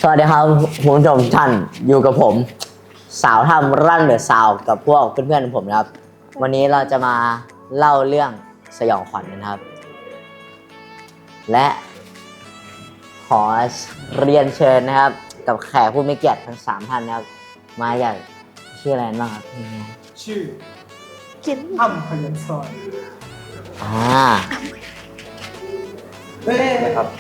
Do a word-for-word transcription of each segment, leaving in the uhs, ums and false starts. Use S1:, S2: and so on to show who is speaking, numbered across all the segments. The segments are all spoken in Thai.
S1: สวัสดีครับคุณผู้ชมท่านอยู่กับผมสาวทำรั่นเดอะซาวกับพวกเพื่อนๆของผมนะครับวันนี้เราจะมาเล่าเรื่องสยองขวัญนะครับและขอเรียนเชิญนะครับกับแขกผู้มีเกียรติทั้งสามท่านนะครับมาอย่างชื่ออะไรบ้างครับพี่แม่
S2: ชื่อ
S3: กิน
S2: อ้ำพยัญชนะ
S1: อ่า
S2: เฮ้ยครับ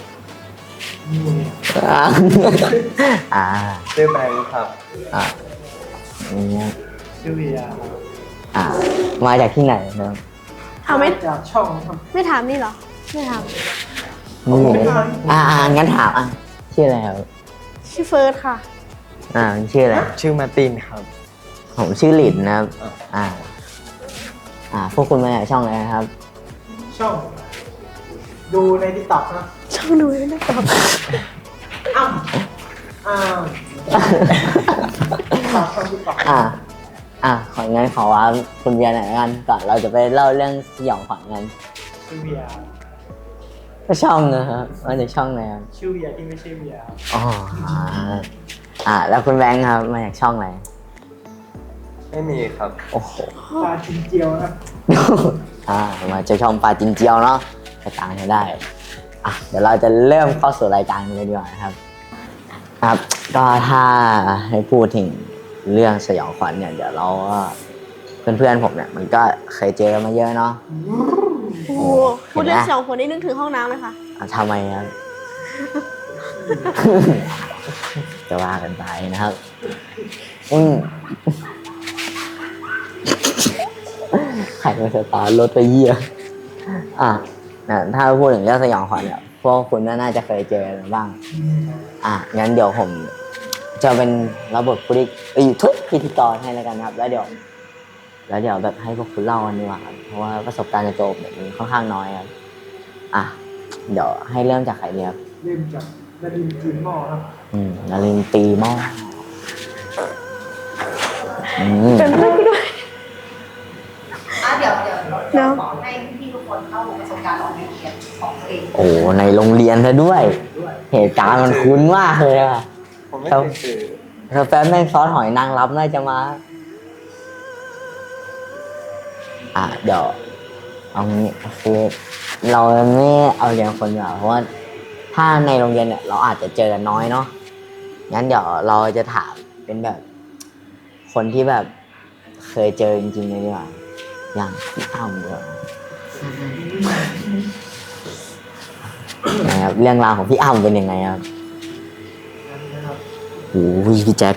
S1: อ่า
S2: ชื่อแบงค์ครับ
S1: อ่าเนี่ย
S2: ชื่อเวีย
S1: อ่ามาจากที่ไหนนะครับ
S3: เอาไม่
S2: จากช่องครับ
S3: ไม่ถามนี่เหรอไม่ถาม
S1: นี่อ่าอ่างั้นถามอ่ะชื่ออะไรครับ
S3: ชื่อเฟิร์สค่ะ
S1: อ่าชื่ออะไร
S2: ชื่อมาตินครับ
S1: ผมชื่อหลินนะครับอ่าอ่าพวกคุณมาจากช่องอะไรนะครับ
S2: ช่องดูในติ๊กต็อกนะ
S3: ช่องดูในติ๊กต็อก
S2: อ้ำอ้าวช่องติ๊กต็อก
S1: อ่าอ่าของั้นขอว่าคุณเวียหน่อยกันก่อนเราจะไปเล่าเรื่องสยองขวัญกัน
S2: ชื่อเวีย
S1: ก็ช่องนะครับมาจากช่องไหนครับ
S2: ชื่อเวียที่ไม่ใช่เวีย
S1: อ๋ออ่าแล้วคุณแบงค์ครับมาจากช่องไหน
S2: ไม่มีครับ
S1: โอ้โห
S2: ปลาจินเจียวนะ
S1: อ่ามาจากช่องปลาจินเจียวเนาะไปตามกันได้อ่ะเดี๋ยวเราจะเริ่มเข้าสู่รายการกันเลยดีกว่านะครับครับก็ถ้าให้พูดถึงเรื่องสยองขวัญเนี่ยเดี๋ยวเราก็เพื่อนๆผมเนี่ยมันก็เคยเจอมาเยอะเนาะ
S3: โอ้โหพูดเรื่องสยองขวัญนี่นึกถึงห้องน้ำเลยค่ะ
S1: ทำไมครับจะว่ากันไปนะครับอืมใครมาสตาร์ทรถไปเยี่ยอ่ะถ้าพูดถึงเรื่องสยองขวัญเนี่ยพวกคุณน่าจะเคยเจอกันบ้างอ่ะงั้นเดี๋ยวผมจะเป็นระบบผู้ที่ทุกพิธีกรให้แล้วกันครับแล้วเดี๋ยวแล้วเดี๋ยวแบบให้พวกคุณเล่ากันดีกว่าครับเพราะว่าประสบการณ์จะโจมเนี่ยมันค่อนข้างน้อยครับอ่ะเดี๋ยวให้เริ่มจากใครดีครับ
S2: เริ่มจากนารินตีหม้อครับ
S1: อืมนารินตีหม้ออืม
S3: เป็นเรื่องด้วย
S4: อ่ะเดี๋ยวเดี๋ยว
S3: เนาะ
S4: ให้พี่ทุกคนเข้าประสบการณ์ของในเรียนของตัวเอง
S1: โอ้ในโรงเรียนซะด้วยเหตุการณ์มันคุ้นมากเลยอะ
S2: ผมไม่เคยเจอ
S1: ถ้าแฟนแม่งซอสหอยนางรมน่าจะมาอ่ะเดี๋ยวเอางี้คือเราไม่เอาเรียนคนเดียวเพราะว่าถ้าในโรงเรียนเนี่ยเราอาจจะเจอน้อยเนาะงั้นเดี๋ยวเราจะถามเป็นแบบคนที่แบบเคยเจอจริงๆเลยดีกว่าอย่างพี่อ้ำเลยนะครับเรื่องราวของพี่อ้ำเป็นยังไงครับโอ้ยพี่แจ็ค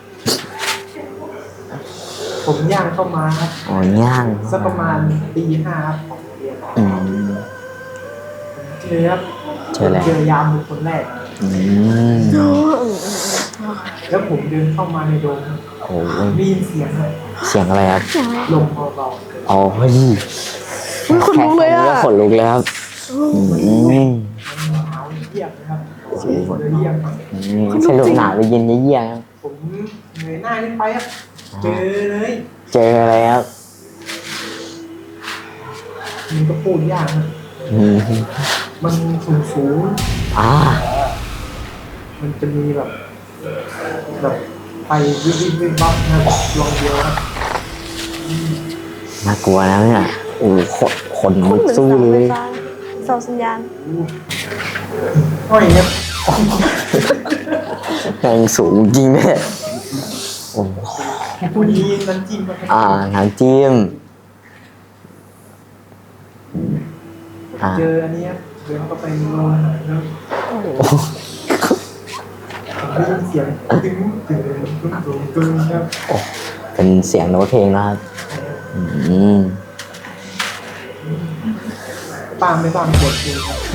S2: ผมย่างเข้ามาครับ
S1: อ๋อย่าง
S2: สักประมาณปีห้าครับของเรียน
S1: อืม
S2: เจอครับ
S1: เจอแล้ว
S2: เจอยามเป็นคนแรก
S1: อืม
S2: แล้วผมเดินเข้ามาในโดม
S1: โอ้
S2: ได้ยินเสียงครับ
S1: เสียงอะไรครับ
S2: ลมเบา
S1: ๆอ๋อเฮ้ย
S3: ขนลุกเลยอ่ะ
S1: ขนลุกเลยครับอืม
S2: หนาวเยี่ยมนะครับเยี่ยม
S1: สนุกหนาวไปเย็นเยี่ยม
S2: ผมเหนื่อยหน้าขึ้นไปครับเจอเลย
S1: เจออะไรครับ
S2: มันก็พูดยากนะมันสูงสูง
S1: อ่า
S2: มันจะมีแบบแบบไปวิบวิบวิบบับนะลองเดียวนะ
S1: น่ากลัวนะเนี่ยโอ้ขนขนลุกสู้เลย
S3: เสาสัญญาณ
S2: ห้อยเนี่ย
S1: แรงสูงจริงเนี่ยโอ้
S2: ผู้ดีน้ำจิ้ม
S1: อ่าน้ำจิ้ม
S2: เจออันนี้เดินเข้าไปนอนแล้วได้ยินเสียงตึ้งตึ้งตึ้งตึ้งตึ้งครับ
S1: เป็นเสียงโน้ตเพลงนะครับอืม
S2: ตามไม่ตามกดเลยครับ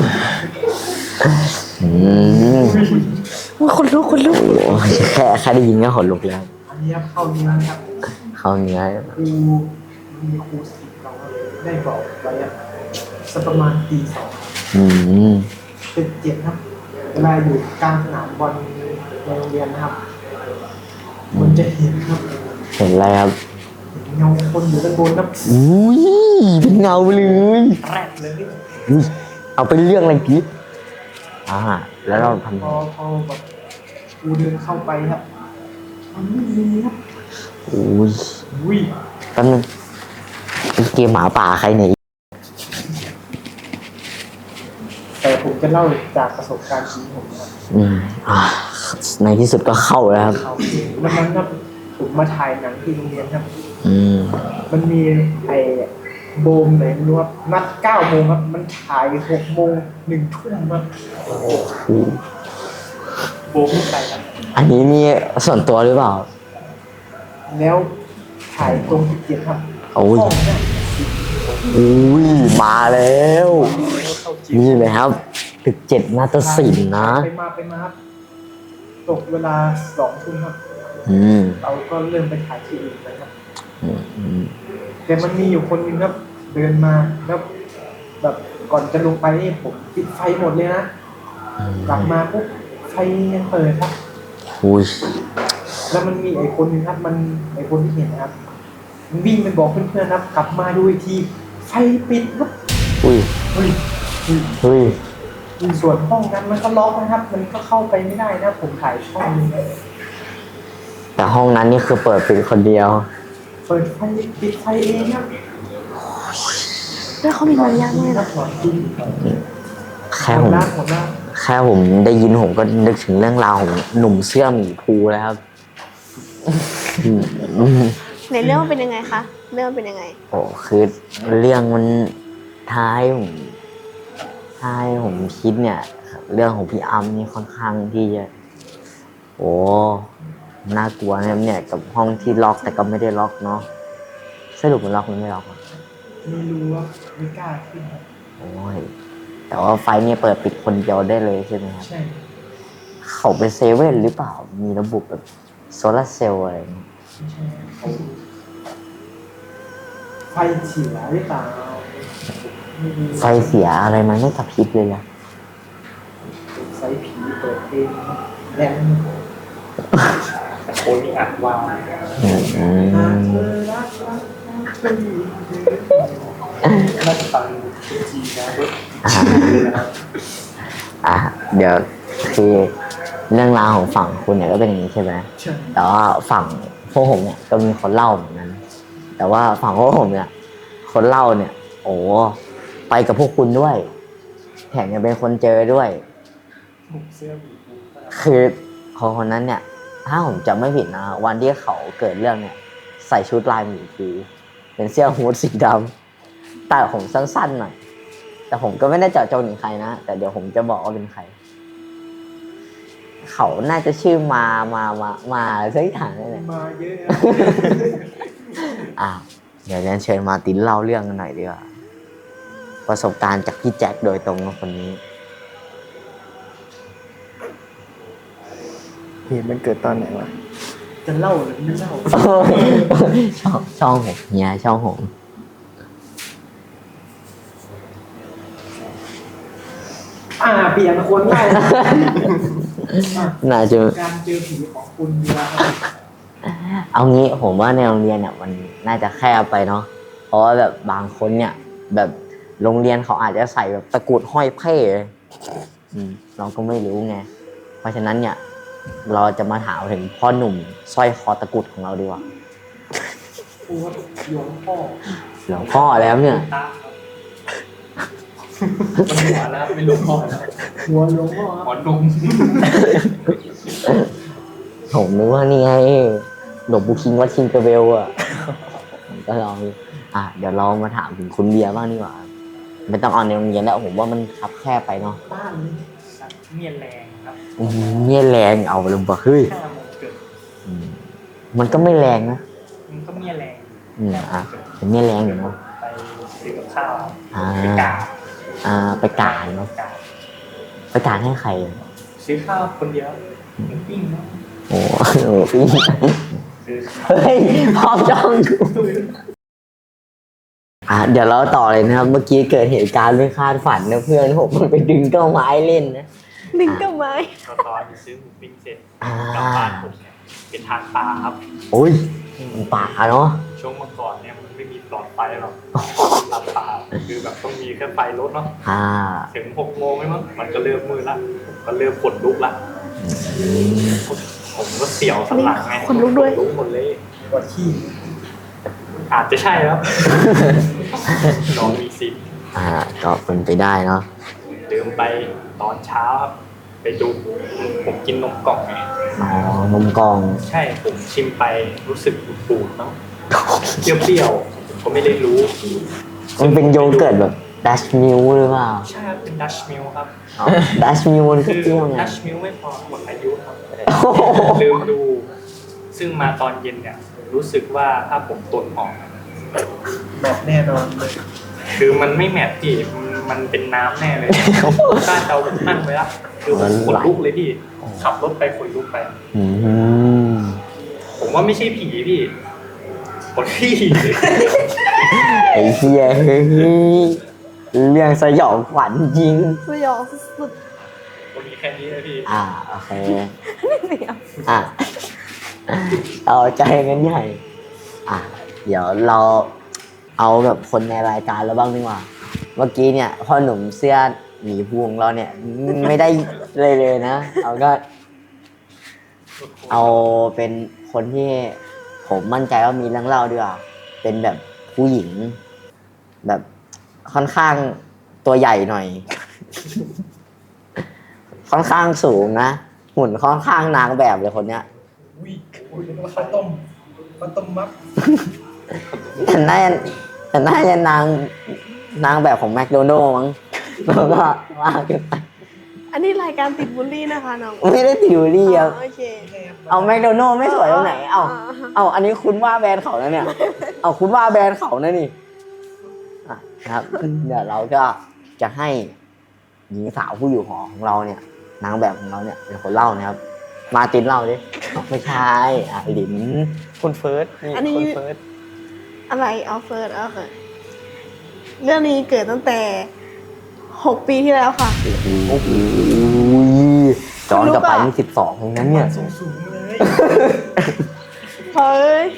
S1: อืม
S3: คนลุกคนลุก
S1: แค่แค่ได้ยินก็ขนลุกแล้ว
S2: อันนี้เข้าเนื้อครับ
S1: เข้าเนื้อ
S2: ครูมีครูสิบเราได้บอกไว้สักประมาณตีสอง
S1: อืม
S2: เป็นเจ็ดครับเวลาอยู่กลางสนามบอลในโรงเรียนนะครับมันจะเห็นครับ
S1: เห็นอะไรครับ
S2: เงาคนอยู่ด้านบนครับ
S1: อุ้ยเป็นเงาเลย
S2: แรกเลย
S1: เอาไปเรื่องอะไรกิ๊บออ่าแล้วเราทำ
S2: พอพอแบบกูเดินเข้าไปครับมันไม่มีครับ
S1: อุ้ย
S2: อุ้ย
S1: แป๊บนึงเกมหมาป่าใครเนี่ย
S2: แต่ผมจะเล่าจากประสบการณ์จริงผมครับ
S1: อืมอ่าในที่สุดก็เข้าแล้วครับ
S2: เขาวันนั้นครับผมมาถ่ายหนังที่โรงเรียนครับ
S1: อืม
S2: มันมีไอ้โบมไหนไม่รู้ครับนัดเก้าโมงครับ มันถ่ายหกโมงหนึ่งทุ่มครับโบมไม่ไปครับ
S1: อันนี้นี่ส่วนตัวหรือเปล่า
S2: แล้วถ่ายตรงที่เจ็ดครับ
S1: โอ้ย
S2: ห้องเนี่ย
S1: อุ้ยมาแล้ว
S2: เข้าจิ๋ว
S1: นี่เลยครับตึกเจ็ดนาฏศิลป์นะ
S2: ไปมาไปมาครับตกเวลาสองทุ่มครับ
S1: อืม
S2: เราก็เริ่มไปถ่ายที่อื่นนะครับ
S1: อืมอืม
S2: แต่มันมีอยู่คนหนึงครับ เดินมาแล้วแบบก่อนจะลงไปนี่ผมปิดไฟหมดเลยนะ กลับมาปุ๊บไฟยังเปิดครับ
S1: อุ้ย
S2: แล้วมันมีไอ้คนหนึงครับ มันไอ้คนที่เห็นนะครับ มันวิ่งไปบอกเพื่อนๆครับ กลับมาดูอีกทีไฟปิดครับ
S1: อุ้ย
S2: เฮ้ยเฮ้ย
S1: เฮ้ย
S2: ส่วนห้องนั้นมันก็ล็อกนะครับ มันก็เข้าไปไม่ได้นะ ผมถ่ายห้องนึงนะ
S1: แต่ห้องนั้นนี่คือเปิดเป็นคนเดียว
S2: เปิดไฟปิดไฟเองครับ
S3: แล้วเขามีมารยาทมาก
S2: นั
S3: นะ
S2: กหมอจริง
S1: แค่
S2: ห
S1: ผม ม
S2: ดหน้าหมดหน้า
S1: แค่ผมได้ยินผมก็นึกถึงเรื่องราวของหนุ่มเสื้อหมีภูแล้วครับอืมอืม
S3: ในเรื่องมันเป็นยังไงคะ เรื่องมันเป็นยังไง
S1: โอ้คือเรื่องมันท้ายผมท้ายผมคิดเนี่ย เรื่องของพี่อัมนี่ค่อนข้างที่จะโอ้น่ากลัวนะครับเนี่ยกับห้องที่ล็อกแต่ก็ไม่ได้ล็อกเนาะสรุปมันล็อกหรือไม่ล็อกอะ
S2: ไม่รู้ว่าไม่กล้าขึ้นครับ
S1: โอ้ยแต่ว่าไฟเนี่ยเปิดปิดคนเดียวได้เลยใช่ไหมครับ
S2: ใช่
S1: เขาเป็นเซเว่นหรือเปล่ามีระบบแบบโซลาร์เซลล์อะไรอย่างเงี้ย
S2: ไม่ใช่เขาไฟเสียหรือเปล่าไม่รู้
S1: ไฟเสียอะไรมันไม่กระพริบเลยอะ
S2: ไฟผีเปิดเองแรง
S5: โคนมีอัดว่า
S1: อืมอื
S2: หาก
S1: ม
S2: เธอรักรักรักเธออยู่
S5: น่าจะฟังจีนะเว้ย
S1: อ่ะเดี๋ยวคือเรื่องราวของฝั่งคุณเนี่ยก็เป็นอย่างนี้ใช่ไหม
S2: ใช่
S1: แต่ว่าฝั่งพวกผมเนี่ยก็มีคนเล่าเหมือนกันแต่ว่าฝั่งพวกผมเนี่ย คนเล่าเนี่ย โอ้ไปกับพวกคุณด้วยแถมยังเป็นคนเจอด้วย
S5: เสื้อหมีภู
S1: คือคนคนนั้นเนี่ย ถ้าผมจำไม่ผิดนะวันที่เขาเกิดเรื่องเนี่ย ใส่ชุดลายหมีภูเป็นเสื้อฮู้ดสีดำแต่ผมสั้นๆหน่อยแต่ผมก็ไม่ได้เจาะจงถึงใครนะแต่เดี๋ยวผมจะบอกว่าเป็นใคร เขาน่าจะชื่อมามามามาสักอย่างนี่แหละ
S2: มาเยอะนะ
S1: อ่ะเดี๋ยวเรียนเชิญมาร์ตินเล่าเรื่องกันหน่อยดีกว่าประสบการณ์จากพี่แจ็คโดยตรงกับคนนี้
S5: เหตุมันเกิดตอนไหนวะ
S2: จะเล่าหรือไม่เล่า
S1: ช่องช่องผมเฮียช่องผม
S2: อ่าเปลี่ยนคนได้นะอ่ะ
S1: น่าจะ
S2: การเจอผีของคุณเวลาครับ
S1: เอางี้ผมว่าในโรงเรียนเนี่ยมันน่าจะแคบไปเนาะเพราะว่าแบบบางคนเนี่ย แบบโรงเรียนเขาอาจจะใส่แบบตะกรุดห้อยเพ่เลยอืมเราก็ไม่รู้ไงเพราะฉะนั้นเนี่ย เราจะมาถามถึงพ่อหนุ่มสร้อยคอตะกรุดของเราดีกว่า
S2: โอ้หลวงพ่อ
S1: หลวงพ่อแล้วเนี่ย
S5: ตาครับมันหัวแล้วไม่รู้พ่อแล้ว
S2: หัวหลวงพ่อครับ
S5: หัวนุ่ม
S1: ผมนึกว่านี่ไงหลวงปู่คิงวัดคิงเกอร์เบลอ่ะ ผมก็ลองอ่ะเดี๋ยวเรามาถามถึงคุณเบียร์บ้างดีกว่าไม่ต้องเอาในโรงเรียนแล้วผมว่ามันคับแคบไปเนาะ
S2: บ้านเลย
S5: สัตว์เมียนแรงครับ
S1: อื้อหือเนี่ยแรงเอาเลยบอกเฮ้ย
S5: ห้าโมงเกิด
S1: อืมมันก็ไม่แรงนะ
S5: มันก็เมียแรง
S1: อืมอ่ะเป็นเนี่ยแรงอยู่เนาะ
S5: ไปซื้อกับข้าว
S1: อ่า
S5: ไปกา
S1: อ่าไปกาดเนาะ
S5: กา
S1: ไปกาดให้ใครอ่ะ
S5: ซื้อข้าวคนเดียวปิ้งๆเนาะ
S1: โอ้โหพี่
S5: ซื้อข้าว
S1: เฮ้ยพร้อมจ้องกูอ่ะเดี๋ยวเราต่อเลยนะครับ เมื่อกี้เกิดเหตุการณ์ไม่คาดฝันนะเพื่อนผมมันไปดึงเก้าไม้เล่นนะ
S3: ดึงกับไม้
S5: ตอนตอนซื้อหมูปิ้งเสร็จ
S1: อ่าก
S5: ลับบ้านผมเนี่ยเป็นทางปลาครับ
S1: โอ้ยป่าเนาะ
S5: ช่วงเมื่อก่อนเนี่ยมันไม่มีไฟ
S6: หลอดไฟหรอกหลับตาคือแบบต้องมีแค่ไฟรถเนาะ
S1: อ่า
S6: ถึงหกโมงไหมมั้งมันก็เริ่มมืดละผมก็เริ่มขนลุกละผมก็เสียวสันหลังไง
S3: ขนลุกด้วย
S6: ขนลุกหมดเลย
S2: ปวดขี้
S6: อาจจะใช่ครับ น้องมีสิทธิ์
S1: อ่าก็เป็นไปได้เนาะ
S6: ลืมไปตอนเช้าครับไปดูผมกินนมกล่องไง
S1: อ๋อนมกล่อง
S6: ใช่ผมชิมไปรู้สึกปูดๆเนาะเปรี้ยวๆผมก็ไม่ได้รู้
S1: มันเป็นโยเกิร์ตแบบดัชมิลหรือเปล่า
S6: ใช่ครับเป็นดัชมิลครับ
S1: ดัชมิลมันคือ
S6: คือ
S1: เปรี้ยวไง
S6: ดัชมิลไม่พอหมดอายุครับลืมดู ซึ่งมาตอนเย็นเนี่ยรู้สึกว่าถ้าผมตนออก
S2: แมทแน่นอนเลย
S6: คือมันไม่แมทพี่มันมันเป็นน้ำแน่เลยถ้าเจ้าผมนั่งไปละคือผมขนลุกเลยพี่ขับรถไปขนลุกไป
S1: อืม
S6: ผมว่าไม่ใช่ผีพี่คนที่
S1: ไอ้เหี้ยเฮ้ยเรื่องสยองขวัญจริง
S3: สยองสุด
S6: ก็มีแค่นี้เลยพี่
S1: อ่าโอเค
S3: ๆเสียว
S1: อ่ะต่อใจกันใหญ่ อ่ะ เดี๋ยวเราเอาแบบคนในรายการเราบ้างดีกว่า เมื่อกี้เนี่ยพ่อหนุ่มเสื้อหมีพวงเราเนี่ย ไม่ได้เลยเลยนะ เอาก็ เอาเป็นคนที่ผมมั่นใจว่ามีเรื่องเล่าดีกว่า เป็นแบบผู้หญิง แบบค่อนข้างตัวใหญ่หน่อย ค่อนข้างสูงนะหุ่นค่อนข้างนางแบบเลยคนเนี้ย
S2: อุ้ยอุ้ยนึกว่าข้าวต้มข้าวต้มมัด
S1: แต่น่าจะแต่น่าจะนางนางแบบของแมคโดนัลด์มั้งแล้วก็ว่ากันไป
S3: อันนี้รายการติดบูลลี่นะคะน้อง
S1: ไม่ได้ติวรี่ครับ
S3: โอเค
S1: เอาแมคโดนัลด์ไม่สวยตรงไหน เอาเอาอันนี้คุณว่าแบรนด์เขานะเนี่ย เอาคุณว่าแบรนด์เขานะนี่อ่ะนะครับเดี๋ยวเราก็จะให้หญิงสาวผู้อยู่หอของเราเนี่ย นางแบบของเราเนี่ยเป็นคนเล่านะครับ มาตินเล่าดิไม่ใช่อ่ะหลิน
S5: คุณเฟิร์สนี่
S3: อันนี้
S5: คุณเฟิร์ส
S3: อะไรเอาเฟิร์สเอาค่ะเรื่องนี้เกิดตั้งแต่หกปีที่แล้วค่ะ
S1: โอ้โหย้อนกลับไปนี่สิบสองเองนั้นเนี่ย
S2: สูงสูงๆเลย
S3: เฮ้ย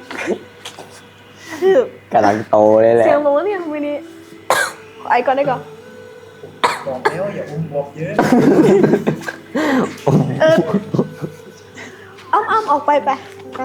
S3: คือก
S1: ำลังโตเลยแหละ
S3: เสียงลงแล้วเนี่ยทำไมนี่ขอไอก่อนได้ก่อน
S2: บอกแล้วอย่าอุ้มบอกเยอะ
S3: เอออ้อมอ้อมออกไปไปไป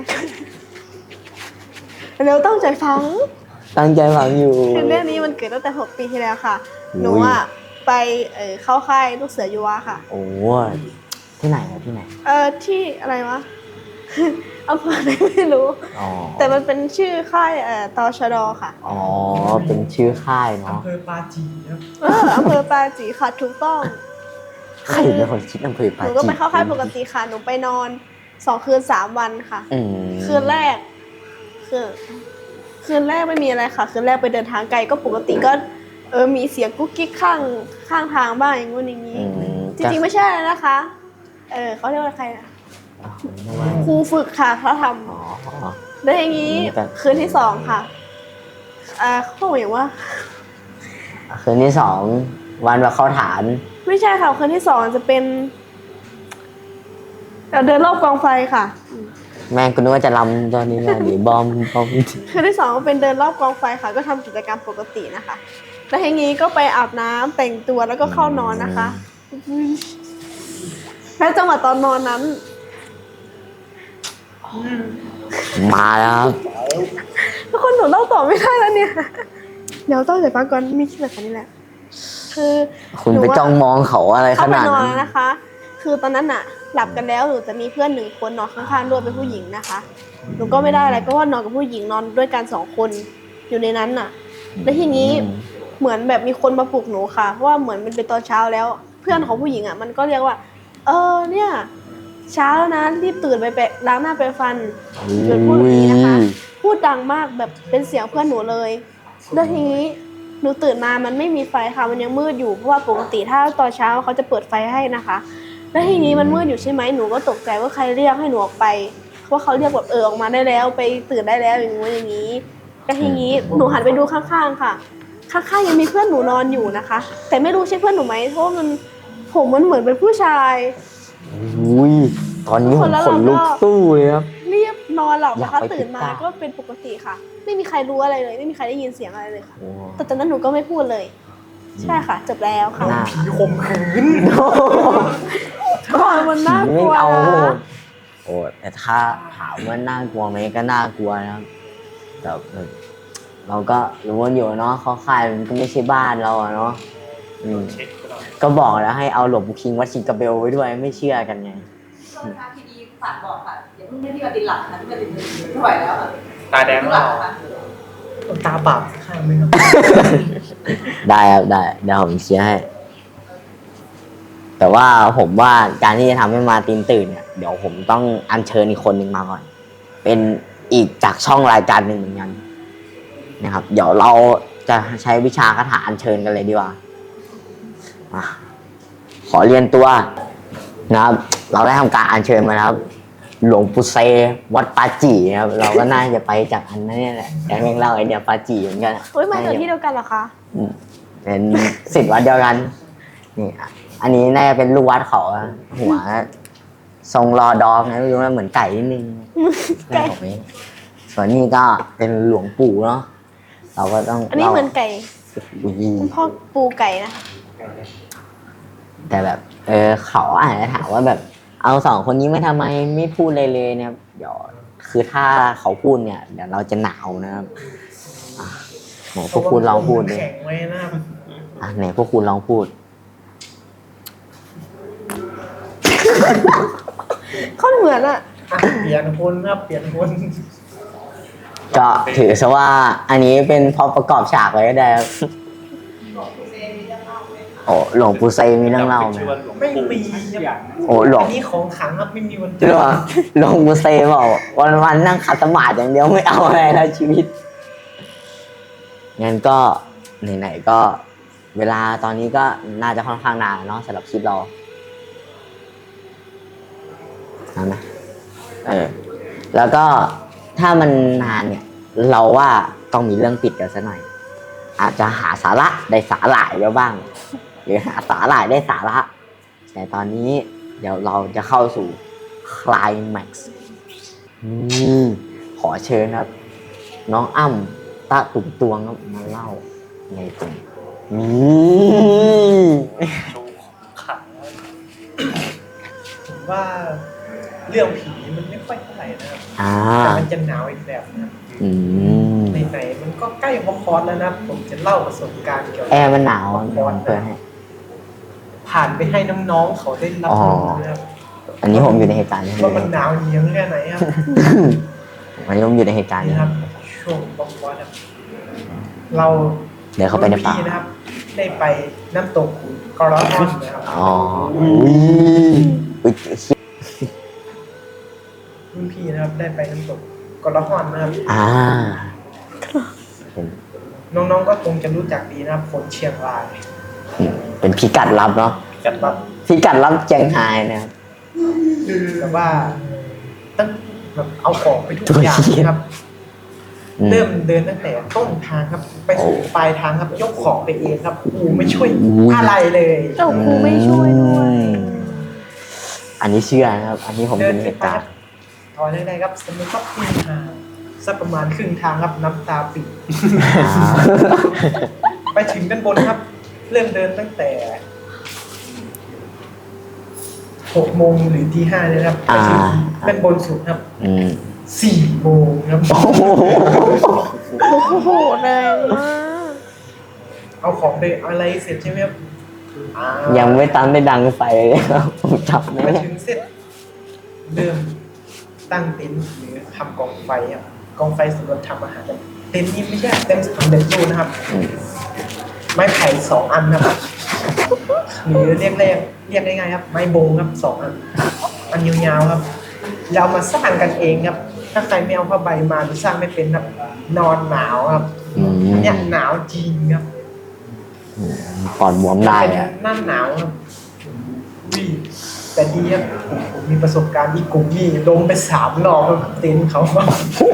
S3: เร็วตั้งใจฟัง
S1: ตั้งใจฟังอยู่
S3: คือเรื่องนี้มันเกิดตั้งแต่หกปีที่แล้วค่ะ
S1: อุ้ย
S3: หนูอ่ะไปเออเข้าค่ายลูกเสือยูวาค่ะ
S1: โอ้ที่ไหนอะที่ไหน
S3: เออที่อะไรวะ อำเภอไหนไม่รู้
S1: อ๋อ
S3: แต่มันเป็นชื่อค่ายเอ่อตชดค่ะ
S1: อ๋อ เป็นชื่อค่ายเนาะ
S2: อำเภอปาจีครับ
S3: เอออำเภอปาจีค่ะถูกต้อง
S1: ใครเป็นคนคิดอำเภอ
S3: ห
S1: ปา
S3: นู
S1: จี
S3: ก็ไปเข้าค่ายปกติค่ะ หนูไปนอนสองคืนสามวันค่ะ
S1: อืม
S3: คืนแรกคืนคืนแรกไม่มีอะไรค่ะ คืนแรกไปเดินทางไกลก็ปกติก็ เออมีเสียงกุ๊กกิ๊กข้างข้างทางบ้างอย่างงู้นอย่างนี้
S1: อืม
S3: จริงๆไม่ใช่นะคะ เออเขาเรียกว่าใครนะ
S1: อ๋อไม่ว่า
S3: ครูฝึกค่ะเขาท
S1: อ๋อ
S3: ำแล้วอย่างนี้
S1: อืมแต่
S3: คืนที่สองค่ะอ่าเขาบอกอย่างว่า
S1: คืนที่สองวันว่าเข้าฐาน
S3: ไม่ใช่ค่ะคืนที่สองจะเป็นเอ่อเดินรอบกองไฟค่ะ
S1: แม่งกูนึกว่าจะลำตอนนี้นะเดี๋ยวบอมบอม
S3: คืนที่สองก็เป็นเดินรอบกองไฟค่ะ ก็ทำกิจกรรมปกตินะคะ แล้วทีนี้ก็ไปอาบน้ำแต่งตัวแล้วก็เข้านอนนะคะแล้วจังหวะตอนนอนนั้น
S1: มาแล้วครับ
S3: ทุกคนหนูเล่าต่อไม่ได้แล้วเนี่ย เดี๋ยวต้องเดี๋ยวฟังก่อนมีคิดแบบนี้แหละ คือ
S1: คุณ
S3: หนู
S1: ไป
S3: ว่า
S1: จ้องมองเขาอะไรข
S3: เข้าไป
S1: นาด
S3: นอน
S1: นั้น
S3: แล้วนะคะ คือตอนนั้นอะหลับกันแล้วหนูจะมีเพื่อนหนึ่งคนนอนข้างๆด้วยเป็นผู้หญิงนะคะ หนูก็ไม่ได้อะไรก็ว่านอนกับผู้หญิงนอนด้วยกันสองคนอยู่ในนั้นน่ะ แล้วทีนี้เหมือนแบบมีคนมาปลุกหนูค่ะเพราะว่าเหมือนมันเป็นตอนเช้าแล้ว เพื่อนของผู้หญิงอะมันก็เรียกว่า เออเนี่ย เช้าแล้วนะรีบตื่นไปแปะล้างหน้าแปรงฟันหยุดพูดแบบนี้นะคะ พูดดังมากแบบเป็นเสียงเพื่อนหนูเลย แล้วทีนี้หนูตื่นมามันไม่มีไฟค่ะมันยังมืดอยู่เพราะว่าปกติถ้าตอนเช้าเขาจะเปิดไฟให้นะคะ แล้วทีนี้มันมืดอยู่ใช่ไหมหนูก็ตกใจว่าใครเรียกให้หนูออกไปเพราะเขาเรียกแบบเออออกมาได้แล้วไปตื่นได้แล้วอย่างงู้นอย่างนี้แล้วทีนี้หนูหันไปดูข้างๆค่ะ ข้างๆยังมีเพื่อนหนูนอนอยู่นะคะ แต่ไม่รู้ใช่เพื่อนหนูไหมเพราะว่ามันผมมันเหมือนเป็นผู้ชาย
S1: อุ้ยตอนนี้ผมขนลุกสู้เลยครับ
S3: นรีบนอนหลับ
S1: อยาก
S3: นะคะ
S1: ไป
S3: ตื่นมา
S1: ติดตาม
S3: ก็เป็นปกติค่ะ ไม่มีใครรู้อะไรเลย ไม่มีใครได้ยินเสียงอะไรเลยค่ะ
S1: โอ้
S3: แต่ตอนนั้นหนูก็ไม่พูดเลย ใช่ค่ะ จบแล้วค่ะ
S1: น่า
S2: ผีข่มขืน
S3: ก่อนมันน่ากลัว
S1: ไม่เอา
S3: นะ
S1: โอ้แต่ถ้าถามว่าน่ากลัวไหมก็น่ากลัวนะครับแต่เราก็รู้ว่าอยู่เนาะเขาค่ายมันก็ไม่ใช่บ้านเราอะเนาะอืม
S6: เช็คตลอด
S1: ก็บอกแล้วให้เอาหลวงปู่คิงวัดชิงกระเบลไว้ด้วยไม่เชื่อกันไง
S4: ช่วงนะคะทีดีฝากบอกค่ะอย่าเพิ่งให้พี่มาตินหลับนะพี่มาตินไม่ไหวแล้วอะ
S6: ตาแดง
S4: ห
S6: แล้
S4: ลั
S6: ว
S4: บนะคะ
S2: ตาบาปข้างไหมครับ
S1: ได้ครับได้เดี๋ยวผมเชียร์ให้ แต่ว่าผมว่าการที่จะทำให้มาร์ตินตื่นเนี่ยเดี๋ยวผมต้องอัญเชิญอีกคนหนึ่งมาก่อน เป็นอีกจากช่องรายการหนึ่งเหมือนกันนะครับ เดี๋ยวเราจะใช้วิชาคาถาอัญเชิญกันเลยดีกว่าอ่ะขอเรียนตัวนะครับ เราได้ทำการอัญเชิญมาแล้วครับ หลวงปู่เซวัดปาจีนะครับ เราก็น่าจะไปจากอันนั้นเนี่ยแหละแต่แม่งเล่าไอเดียปาจีเหมือนกัน
S3: เฮ้ยมาจากที่เดียวกันเหรอคะ
S1: อืมเป็นศิษย์วัดเดียวกัน นี่อ่ะอันนี้น่าจะเป็นลูกวัดเขาอะหัว ทรงรอดองนะไม่รู้ว่าเหมือนไก่นิดนึง
S3: ไก่
S1: ผมเองส่วนนี้ก็เป็นหลวงปู่เนาะเราก็ต้อง
S3: อันนี้เหมือนไก่
S1: อุ้ย
S3: คุณพ่อปูไก่นะคะ
S1: แต่แบบ เออเขาอาจจะถามว่าแบบ เอาสองคนนี้ไม่ทำไมไม่พูดเลยเลยเนี่ยเดี๋ยวคือถ้าเขาพูดเนี่ย เดี๋ยวเราจะหนาวนะครับอ่ะไหนพวกคุณลองพูดดิ
S2: แข็งไว้นะครับ
S1: อ่ะไหนพวกคุณลองพูด
S3: เขาเหมือนอะ
S2: อ่ะเปลี่ยนคนครับเปลี่ยนคน
S1: ก็ถือซะว่าอันนี้เป็นพอประกอบฉากไว้ก็ได้ครับโอ้หลวงปู่เซมีเรื่องเล่าไหม
S6: ชื่อว่าหลวง
S2: ไม่
S6: ปู่
S2: มี
S6: สักอย่าง
S1: โอ้หลวง
S2: อันนี้ของขลังครับไม่มีวันเจ
S1: หล
S2: อ
S1: วงหลวงปู่เซบอกวันวันๆนั่งขัดสมาธิอย่างเดียวไม่เอาอะไรแล้วชีวิตงั้นก็ไหนๆก็เวลาตอนนี้ก็น่าจะค่อนข้างนานเนาะสำหรับคลิปเรานานไหมเออ แล้วก็ถ้ามันนานเนี่ย เราว่าต้องมีเรื่องปิดกันซะหน่อย อาจจะหาสาระได้สาหร่ายแล้วบ้าง หรือหาสาหร่ายได้สาระ แต่ตอนนี้เดี๋ยวเราจะเข้าสู่คลายแม็กซ์ขอเชิญครับ น้องอ้ำตาตุ่มตวงครับมาเล่าในตรงนี้
S6: โชว์ของขลัง
S2: ผมว่าเรื่องผีมันไม่ค่อยเท่าไหร่นะครับ
S1: อ่า
S2: แต่มันจะหนาวอีกแบบนะครับ
S1: อืม
S2: ไหนๆมันก็ใกล้พอคอร์สแล้วนะครับผมจะเล่าประสบการณ์เกี่ยว
S1: แอ
S2: กับ
S1: ร์มันหนาวเดี๋ยวผมเปิดให้
S2: ผ่านไปให้น้องๆเขาได้รับ
S1: อ๋อ
S2: รู้นะครับ
S1: อันนี้ผมอยู่ในเหตุการณ์นี้
S2: ว่ามันหนาวเหนียวแค่ไหนครับ
S1: อันนี้ผมอยู่ในเหตุการณ์
S2: นี่
S1: นี้
S2: ครับ ช่วงบอคอร์สครับเรา
S1: เดี๋ยวเข้าไปในป่า
S2: รุ่พี่นะครับ ได้ไปน้ำตกกอร์ลอนนะครับ
S1: อ๋ออุ้ยอุ้ย
S2: รุ่นพี่นะครับ ได้ไปน้ำตกกอร์ลอนนะครับ
S1: อ่า
S2: น้องๆก็คงจะรู้จักดีนะครับคนเชียงราย
S1: เป็นพิกัดลับเนาะ
S2: จัดแบบ
S1: พิกัดลับเจียงไฮ้นะครับ
S2: แต่ว่าตั้งแบบเอาของไปทุก
S1: ตัว
S2: อย่าง
S1: เหี้ย
S2: ครับ
S1: อืม
S2: เริ่มเดินตั้งแต่ต้นทางครับ ไปสู่
S1: โอ้
S2: ปลายทางครับ ยกของไปเองครับครูไม่ช่วย
S1: อุ้ย
S2: อะไรเลย
S3: เจ้าครูไม่ช่วยด้วย
S1: อืมอันนี้เชื่อนะครับ อันนี้ผม
S2: เดิ
S1: เป็น น
S2: ไป
S1: เหตุ
S2: ค
S1: กา
S2: รั
S1: ร
S2: บ
S1: ณ์
S2: ถอยได้ครับสมมติว่าครึ่งทางสักประมาณครึ่งทางครับน้ำตาปิด
S1: อ่า
S2: ไปถึงด้านบนครับ เริ่มเดินตั้งแต่หกโมงหรือที่ห้าเนี่ยนะครับไปถึง
S1: อ่า
S2: ด้านบนสุดครับ
S1: อืม
S2: สี่โมงครับ
S1: โอ้โห
S3: โอ้โหแรงมาก
S2: เอาของไปอะไรเสร็จใช่ไหมครับอ่า
S1: ยังไม่ตันได้ดังไฟเลยครับผมจับไม่
S2: มา
S1: ได้
S2: ถึงเสร็จเริ่มตั้งเต็นท์หรือทำกองไฟครับกองไฟสำหรับทำอาหารครับเต็นท์นี้ไม่ใช่เต็นท์สำเร็จรูปนะครับ
S1: อืม
S2: ไม้ไผ่สองอันนะครับหรือเรียกเรียกเรียกง่ายๆครับ ไม้โบงครับสองอันอันยาวๆครับเราเอามาสร้างกันเองครับ ถ้าใครไม่เอาผ้าใบมาหรือสร้างไม่เป็นครับนอนหนาวครับ
S1: อืม
S2: อันเนี้ยหนาวจริงครับ
S1: ปอดบวมได้
S2: เป็น
S1: อะ
S2: หน้าหนาวครับวิแต่ดีครับผมผมมีประสบการณ์ที่กลุ่มนี่ลงไปสามรอบครับเต็นท์เขาว่า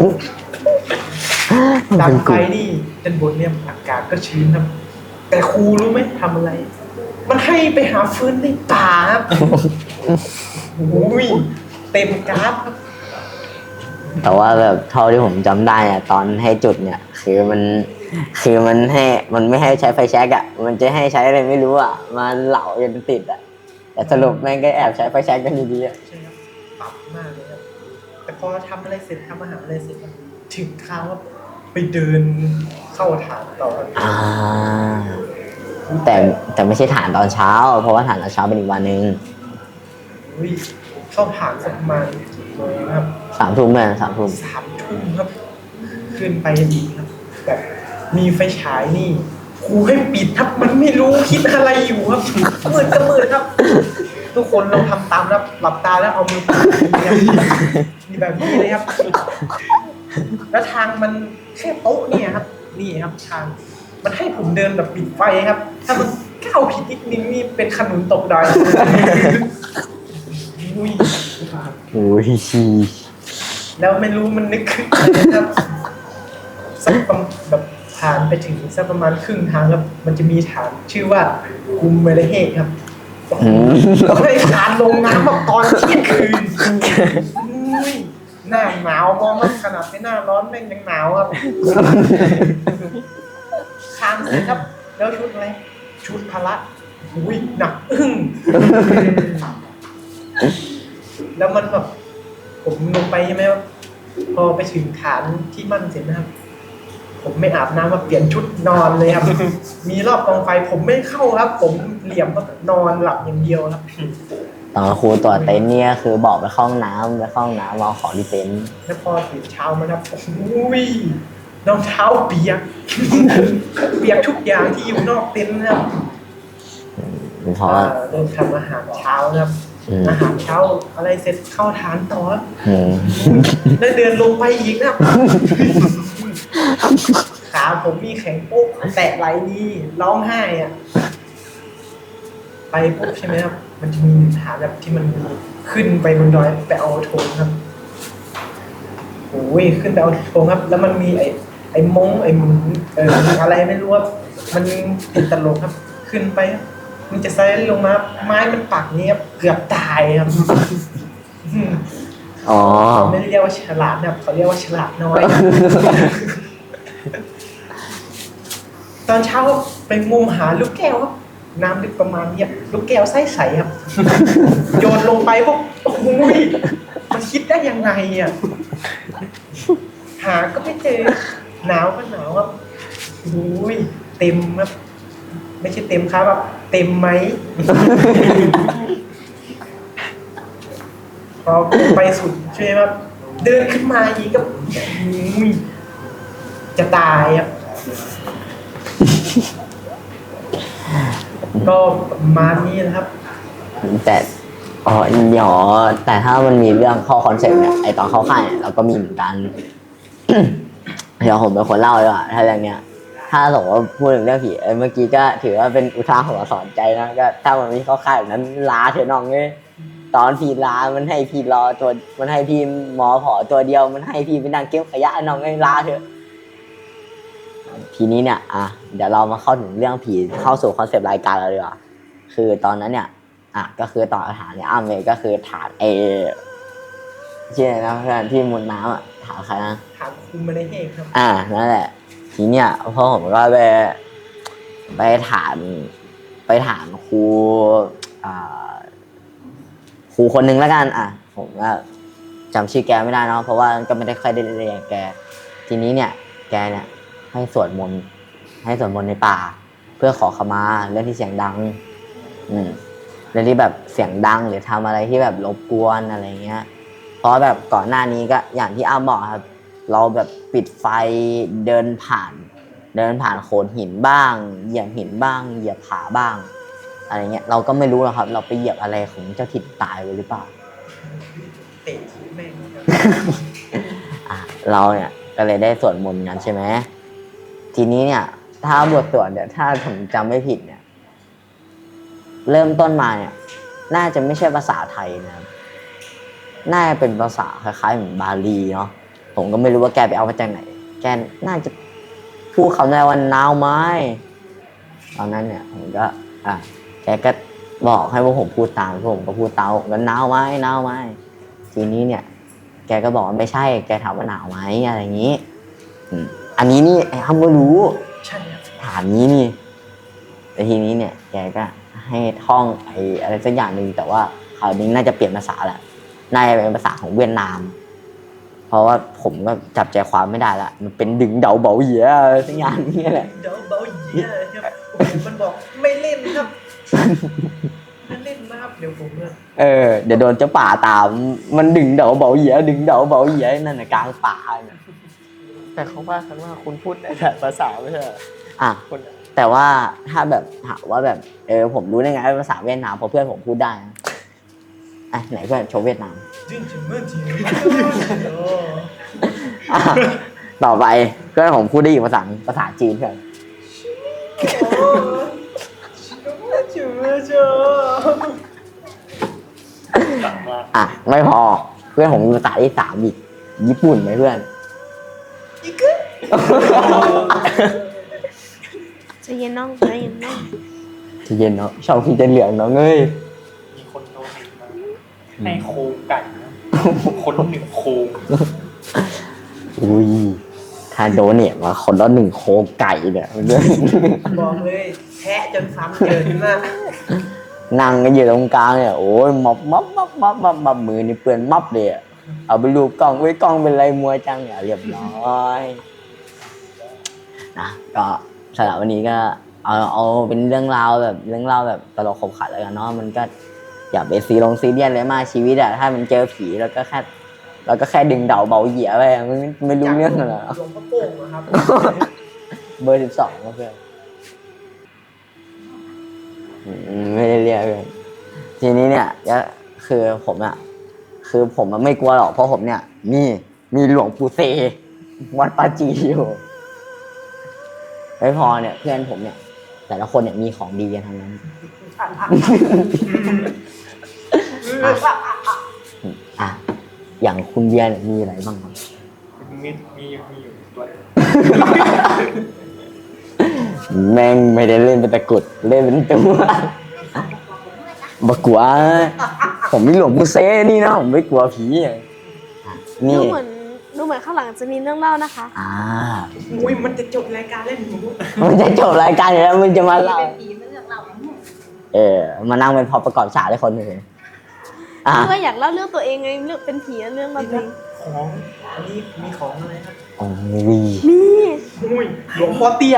S2: ดังไฟนี่ด้านบนเนี่ยอากาศก็ชื้นครับ แต่ครูรู้ไหมทำอะไร มันให้ไปหาฟืนในป่าครับโอ้ยเต็มกราฟครับ
S1: แต่ว่าแบบเท่าที่ผมจำได้เนี่ยตอนให้จุดเนี่ย คือมันคือมันให้มันไม่ให้ใช้ไฟแช็กอ่ะมันจะให้ใช้อะไรไม่รู้อ่ะมาเหลาจนติดอ่ะแต่สรุปแม่งก็แอบใช้ไฟแช็กกันดีๆอ่ะ
S2: ใช่ครับปรับมากเลยครับแต่พอทำอะไรเสร็จทำอาหารอะไรเสร็จครับถึงคราวว่าไปเดินเข้าฐานต่อครับ
S1: อ่าแต่แต่ไม่ใช่ฐานตอนเช้า เพราะว่าฐานตอนเช้าเป็นอีกวันหนึ่ง
S2: อุ้ยเข้าฐานสักประมาณกี่โมงครับ
S1: สามทุ่มเลยสามทุ่ม
S2: สามทุ่มครับ ขึ้นไปอีกครับแบบมีไฟฉายนี่ครูให้ปิดครับมันไม่รู้คิดอะไรอยู่ครับมืดก็มืดครับ ทุกคนลองทำตามครับหลับตาแล้วเอามือปิดนี่แบบนี้เลยครับ แล้วทางมันแค่โต๊ะเนี่ยครับ นี่ครับทางมันให้ผมเดินแบบปิดไฟครับ ถ้ามันก้าวผิดนิดนึงนี่เป็นขนุนตกดอยอุ้ย
S1: โอ้ย
S2: แล้วไม่รู้มันนึกขึ้นอะไรนะครับสักประมาณแบบผ่านไปถึงสักประมาณครึ่งทางครับ มันจะมีฐานชื่อว่ากุมเมเลเฮกครับเราได้ฐานลงน้ำแบบตอนเที่ยงคืนอุ้ยหน้าหนาวมองมันขนาดไม่หน้าร้อนแม่งยังหนาวครับทางเสร็จครับ แล้วชุดอะไรชุดพละอุ้ยหนักอึ้งแล้วมันแบบผมลงไปใช่ไหมครับพอไปถึงฐานที่มั่นเสร็จนะครับ ผมไม่อาบน้ำมาเปลี่ยนชุดนอนเลยครับ มีรอบกองไฟผมไม่เข้าครับ ผมเหลี่ยมก็นอนหลับอย่างเดียวครับ
S1: ตอนครูตรวจเต็นท์เนี่ยคือบอกไปเข้าห้องน้ำไปเข้าห้องน้ำเอาของที่เต็นท์
S2: แล้วพอตื่นเช้ามาครับอุ้ยรองเท้าเปียก เปียกทุกอย่างที่อยู่นอกเต็นท์นะครับ
S1: เพราะว่า
S2: อ่าเริ่มทำอาหารเช้านะครับ
S1: อืม
S2: อาหารเช้าอะไรเสร็จเข้าฐานต่อครับ
S1: อืม
S2: แล้วเดินลงไปอีกนะครับ ขาผมมีแข็งปุ๊บแตะไหลนี่ร้องไห้อ่ะ ไปปุ๊บใช่ไหมครับ มันจะมีฐานแบบที่มันขึ้นไปบนดอยไปเอาธงครับโอ้ยขึ้นไปเอาธงครับ แล้วมันมีไอ้ไอ้มงไอ้หมุนเอออะไรไม่รู้ครับมันติดตลกครับ ขึ้นไปครับมันจะไซด์ลงมาไม้มันปักนี่ครับเกือบตายครับ
S1: อ๋อ
S2: เขาไม่ได้เรียกว่าฉลาดนะครับเขาเรียกว่าฉลาดน้อย ตอนเช้าไปงมหาลูกแก้วครับน้ำลึกประมาณเนี้ยลูกแก้วใสๆครับ โยนลงไปปุ๊บโอ้โหมันคิดได้ยังไงอ่ะหาก็ไม่เจอหนาวก็หนาวครับโอ้ยเต็มครับ ไม่ใช่เต็มครับแบบเต็มไหม พอไปสุดใช่ไหมครับเดินขึ้นมาอีกก็อุ้ยจะตายครับ ก็ประมาณนี้นะครับ
S1: แต่อ๋อเดี๋ยวแต่ถ้ามันมีเรื่องเข้าคอนเซ็ปต์เนี่ยไอตอนเข้าค่ายเนี่ยเราก็มีเหมือนกัน เดี๋ยวผมเป็นคนเล่าดีกว่าถ้าเรื่องเนี้ย ถ้าสมมติว่าพูดถึงเรื่องผีเอ้ยเมื่อกี้ก็ถือว่าเป็นอุทาหรณ์สอนใจนะก็ถ้ามันไม่เข้าค่ายแบบนั้นลาเถอะน้องเลยตอนพี่ลามันให้พี่รอตัวมันให้พี่หมอผอตัวเดียวมันให้พี่ไปนั่งเก็บขยะน้องเลยลาเถอะทีนี้เนี่ยอ่ะเดี๋ยวเรามาเข้าถึงเรื่องผีเข้าสู่คอนเซปต์รายการเราดีกว่าคือตอนนั้นเนี่ยอ่ะก็คือต่อฐานเนี่ยอ้ามเลยก็คือฐานเอชื่ออะไรนะเพื่อนที่มุดน้ำอ่ะฐานใครนะ
S2: ถามคุณมาได้เฮครับ
S1: อ่านั่นแหละทีเนี้ยพ่อผมก็ไปไปถามไปถามครูอ่าครูคนหนึ่งแล้วกันอ่ะผมก็จำชื่อแกไม่ได้เนาะเพราะว่าก็ไม่ได้ค่อยได้เรียนแกทีนี้เนี่ย แกเนี่ยให้สวดมนต์ให้สวดมนต์ในป่า เพื่อขอขมาเรื่องที่เสียงดัง อืมเรื่องที่แบบเสียงดังหรือทำอะไรที่แบบรบกวนอะไรเงี้ย เพราะแบบก่อนหน้านี้ก็อย่างที่อ้าบอกครับ เราแบบปิดไฟเดินผ่าน เดินผ่านโขดหินบ้างเหยียบหินบ้างเหยียบผาบ้างอะไรเงี้ยเราก็ไม่รู้หรอกครับ เราไปเหยียบอะไรของเจ้าถิ่นตายไปหรือเปล่า
S2: เตะทีแม่งครับ
S1: อ่ะเราเนี่ยก็เลยได้สวดมนต์กันใช่ไหมทีนี้เนี่ย ถ้าบทสวดเนี่ยถ้าผมจำไม่ผิดเนี่ย เริ่มต้นมาเนี่ย น่าจะไม่ใช่ภาษาไทยนะครับน่าจะเป็นภาษาคล้ายๆเหมือนบาลีเนาะผมก็ไม่รู้ว่าแกไปเอามาจากไหน แกน่าจะพูดคำได้ว่าหนาวไหมตอนนั้นเนี่ยผมก็อ่ะแกก็บอกให้พวกผมพูดตามพวกผมก็พูดตามผมก็หนาวไหมหนาวไหมทีนี้เนี่ย แแกก็บอกว่าไม่ใช่แกถามว่าหนาวไหมอะไรอย่างนี้อืมอันนี้นี่ไอ้ฮัมก็รู้
S2: ใช่ครับ
S1: ถามนี้นี่แต่ทีนี้เนี่ยแกก็ให้ท่องไอ้อะไรสักอย่างหนึ่งแต่ว่าคราวนี้น่าจะเปลี่ยนภาษาแหละน่าจะเป็นภาษาของเวียดนาม เพราะว่าผมก็จับใจความไม่ได้ละมันเป็นดึงเดาเบาเหยียอะไรสักอย่างนี้แหละ
S2: เดี๋ยวเบาเยี่ยครับโอ้โหมันบอกไม่เล่นครับไม่เล่นนะครับเดี๋ยวผมเนี่ย
S1: เออเดี๋ยวโดนเจ้าป่าตามมันดึงเดาเบาเหยียดึงเดาเบาเหยียนั่นน่ะกลางป่าเนี่ย
S5: แต่เขาว่ากันว่าคุณพูดได้แต่ภาษาไม่ใช่เหรอ
S1: อ่ะ
S5: คน
S1: แต่ว่าถ้าแบบถามว่าแบบเออผมรู้ได้ไงว่าภาษาเวียดนามเพราะเพื่อนผมพูดได้นะอ่ะไหนเพื่อนโชว์เวียดนาม
S2: จริงจริงเมื่อจริงโอ้
S1: อ่ะต่อไปเพื่อนผมพูดได้อีกภาษาหนึ่งภาษาจีนเพื่อน
S2: เชื่อเชื่อ
S6: สั่งมา
S1: อ่ะไม่พอเพื่อนผมมีภาษาที่สามอีกญี่ปุ่นไหมเพื่อน
S2: อีกอะ
S3: ใจะเย็นน้องใจะเย็นน้อง
S1: ใจะเย็นเนาะชอบพี่จะเหลืองเนาะเงย
S6: มีคนโดนเองมาให้โครงไก่นะคนหนึ่งโครง
S1: อุ้ยถ้าโดนเนี่ยมาคนละหนึ่งโครงไก่เนี่ยเพื่อน
S2: บอกเลยแทะจนซ้ำเกินมาก
S1: นั่งกันอยู่ตรงกลางเนี่ยโอ้ยมับมับมับมับมับมับมือนี่เปื้อนมับเลยอะเอาไปรูปกล้องไว้ยกล้องเป็นไรมัวจังเนี่ยเรียบร้อยนะก็สำหรับวันนี้ก็เอาเอาเป็นเรื่องราวแบบเรื่องราวแบบตลกขบขันแล้วกันเนาะมันก็อย่าไปซีลงซีเรียสเลยมากชีวิตอะถ้ามันเจอผีแล้วก็แค่เราก็แค่ดึงเดาเบาเหยียไปอะมันไม่ไม่รู้เรื่องหรอก
S2: หลวงพ่อโป่งนะครับ
S1: เบอร์สิบสองเพื่อนอืมไม่ได้เรียกเพื่อนทีนี้เนี่ยก็คือผมอะคือผมอะไม่กลัวหรอกเพราะผมเนี่ยมีมีหลวงปู่เซวัดปาจีอยู่ไม่พอเนี่ยเพื่อนผมเนี่ย แต่ละคนเนี่ยมีของดีกันทั้งนั้นอ่ะอย่างคุณเบียร์เนี่ยมีอะไรบ้างครับ
S6: มีมีมีอยู่ตัว
S1: แม่งไม่ได้เล่นเป็นตะกรุดเล่นเป็นตัวบักกลัวผมมีหลวงปู่เซนี่นะผมไม่กลัวผีอ่ะ
S3: ดู
S1: นี่
S3: เหมือนดูเหมือนข้างหลังจะมีเรื่องเล่านะคะ
S1: อ่า
S2: อุ้ยมันจะจบรายการเล่นหนู
S1: มันจะจบรายการอยู่แล้วมันจะมาเล่า
S4: เป็นผีไม่เลือกเราเนี่ย
S1: เออมานั่งเป็นพอประกอบฉากได้คนหนึ่งอ่ะ
S3: เพื่ออยากเล่าเรื่องตัวเองไงเรื่องเป็นผีเรื่องเราตัวเอง
S2: ของอันนี้มีของอะไรครับ
S1: โอ้ย
S3: นี่
S2: อุ้ยหลวงพ่อเตี้ย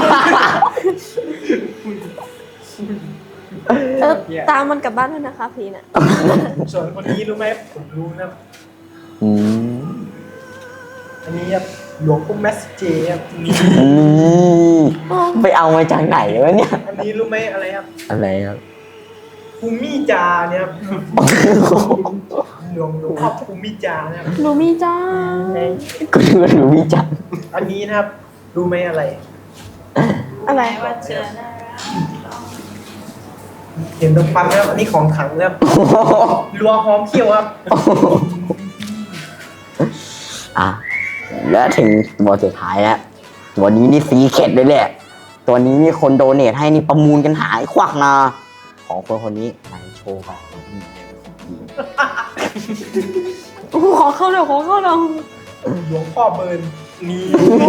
S3: เออตามมันกลับบ้านด้วยนะคะผีน่ะ
S2: ส่วนคนนี้รู้ไหมผมรู้นะ
S1: อืม
S2: อันนี้ครับหลวงพ่อแมสเจครับนี่
S1: นี่ไปเอามาจากไหนวะเนี่ย
S2: อันนี้รู้ไหมอะไรครับ
S1: อะไรครับ
S2: ภูมิจาเนี่ยครับหลวงหลวงพ่อภูมิจาเนี่ยครับ
S3: หนูมีจ้า
S1: กูดูว่าหนูวิจัก
S2: อันนี้นะครับรู้ไหมอะไร
S3: อะไร
S4: แม้ว่าเจอหน้ารัก
S2: เห็นตรงปั๊มนะครับอันนี้ของขังนะครับรัวหอมเขี้ยวครับ
S1: อ่ะแล้วถึงตัวสุดท้ายแล้วตัวนี้นี่ซีเข็ดเลยแหละตัวนี้นี่คนโดเนทให้นี่ประมูลกันหายควักนะของคนคนนี้ไหนโชว์ไป
S3: โอ้โหขอเข้าหน่อยขอเข้าหน่อย
S2: หลวงพ่อเบิร์น
S6: นี่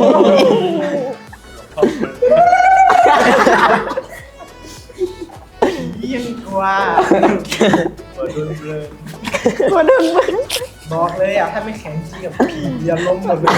S2: เยี่ยงกว่าเบิร์นเบิร์น
S3: มาดึงมึง
S2: บอกเลยอ่ะถ้าไม่แข็งจริงกับผีจะล้มหมดเลย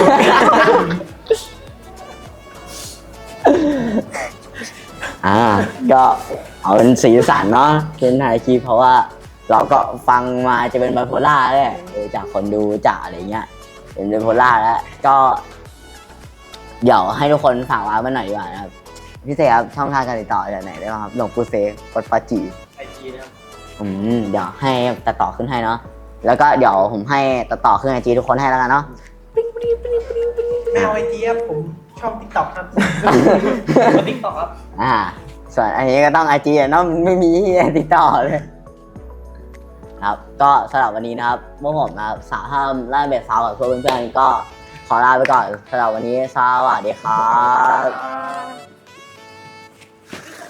S1: อ่าก็เอาเป็นสีสันเนาะเป็นไทยคีเพราะว่าเราก็ฟังมาจะเป็นไบโพล่าแหละเออจากคนดูจากอะไรเงี้ยเป็นไบโพล่าแล้วก็เดี๋ยวให้ทุกคนฝากว้ามาหน่อยดีกว่านะครับพี่เซครับช่องทางการติดต่อจากไหนได้บ้างครับหลวงปู่เซวัดปาจี
S6: ไอจีนะครับ
S1: อืมเดี๋ยวให้ตัดต่อขึ้นให้เนาะแล้วก็เดี๋ยวผมให้ตัดต่อขึ้นไอจีทุกคนให้แล้วกันเนาะ
S2: ไม่เอาไอเจี๊ยบผมชอบติ๊กต็อกครับ
S6: ก็ติ๊กต็อกครับ
S1: อ่าส่วนอันนี้ก็ต้องไอจีเนาะไม่มีที่ติดต่อเลยครับก็สำหรับวันนี้นะครับพวกผมนะครับสาวห้ามล่าเบ็ดสาวกับเพื่อนๆก็ขอลาไปก่อนสำหรับวันนี้สวัสดีครับ